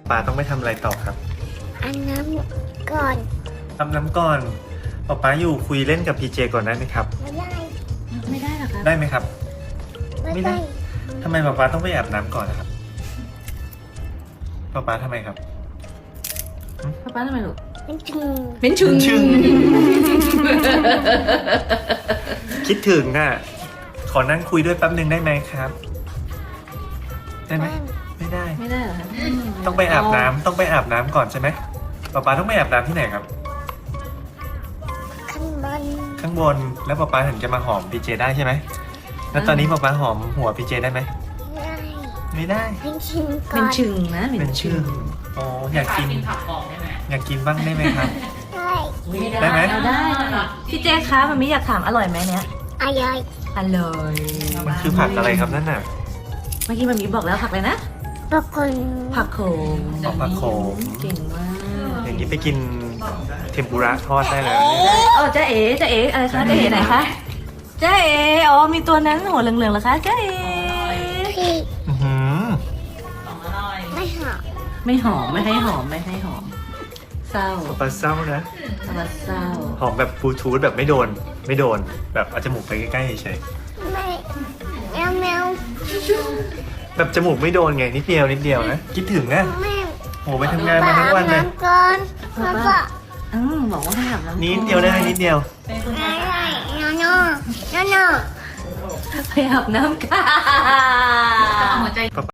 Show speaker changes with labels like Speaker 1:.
Speaker 1: ป๊าต้องไปทำอะไรต่อครับ
Speaker 2: อันน้ำก่อน
Speaker 1: อาบน้ำก่อนป๊าอยู่คุยเล่นกับพีเจก่อนได้ไหมครับ
Speaker 2: ไม่ได้
Speaker 3: ไม่ได้หรอคะ
Speaker 1: ได้ไหมครับ
Speaker 2: ไม่
Speaker 1: ไม่ได้
Speaker 2: ได้
Speaker 1: ทำไมป๊าต้องไปอาบน้ำก่อนนะครับป๊าทำไมครับ
Speaker 3: ป้าทำไมลูก
Speaker 2: เป็นถึง
Speaker 3: เป็นชึง
Speaker 1: ชึง คิดถึงอ่ะ ขอนั่งคุยด้วยแป๊บหนึ่งได้ไหมครับ ได้ไหมไม่ได้
Speaker 3: ไม่ได้เหรอคะ
Speaker 1: ต้องไปอาบน้ำต้องไปอาบน้ำก่อนใช่ไหมป๊าต้องไปอาบน้ำที่ไหนครับ
Speaker 2: ข้างบน
Speaker 1: ข้างบนแล้วป๊าถึงจะมาหอมพีเจได้ใช่ไหมแล้วตอนนี้ป๊าหอมหัวพีเจได้ไหม
Speaker 2: ไม่ได้
Speaker 1: ไม่ได้
Speaker 2: เป็นชิงก่
Speaker 3: เป็
Speaker 2: อน น
Speaker 3: ชึงนะ
Speaker 1: เป็นชื่ออ๋ออยากกิน
Speaker 4: ผักกรอบได้ไหม
Speaker 1: อยากกินบ้างได้ไหมครับ
Speaker 2: ได้
Speaker 1: ได้ไหม
Speaker 3: เอาได้พี่เจคะมันไม่อยากถามอร่อยไหมเนี้ย
Speaker 2: อร่อย
Speaker 3: อร่อย
Speaker 1: มันคือผักอะไรครับนั่นน่ะ
Speaker 3: เมื่อกี้มันมีบอกแล้วผักอะไรนะ
Speaker 2: บางคน
Speaker 3: ผักโขม
Speaker 1: อ๋อผักโขม
Speaker 3: เก่งมาก
Speaker 1: อย่างนี้ไปกินเทมปุระทอดได้แล้วเนี่ย
Speaker 3: อ๋อเจ๊เอ๋อะไรคะเจ๊เอ๋ไหนคะเจ๊เอ๋อ๋อมีตัวนั้นหัวเหลืองๆเหรอคะเจ๊เอ๋
Speaker 2: พี่
Speaker 1: อื้อหือ
Speaker 4: ของอร่อย
Speaker 2: ไม่หอม
Speaker 3: ไม่หอมไม่ให้หอมไม่ให้หอมเศร้า
Speaker 1: ปลาเศร้านะ
Speaker 3: เศร้า
Speaker 1: หอมแบบบลูทูธแบบไม่โดน แบบเอาจมูกไปใกล้ๆเฉย
Speaker 2: ไม่แมวแมว
Speaker 1: ๆแบบจมูกไม่โดนไงนิดเดียวนะคิดถึงนะ
Speaker 2: แม่
Speaker 1: โหไปทำงานมาทั้งวันเลย
Speaker 2: น้ำก่อนแล้วก็
Speaker 3: บอกว่าให้อาบน้ำ
Speaker 1: นิดเดียวได้ไหมนิดเดียว
Speaker 4: เป็นคุณ
Speaker 2: อะไรนอนนอน
Speaker 3: ไปอาบน้ำค่ะ
Speaker 4: หัวใจ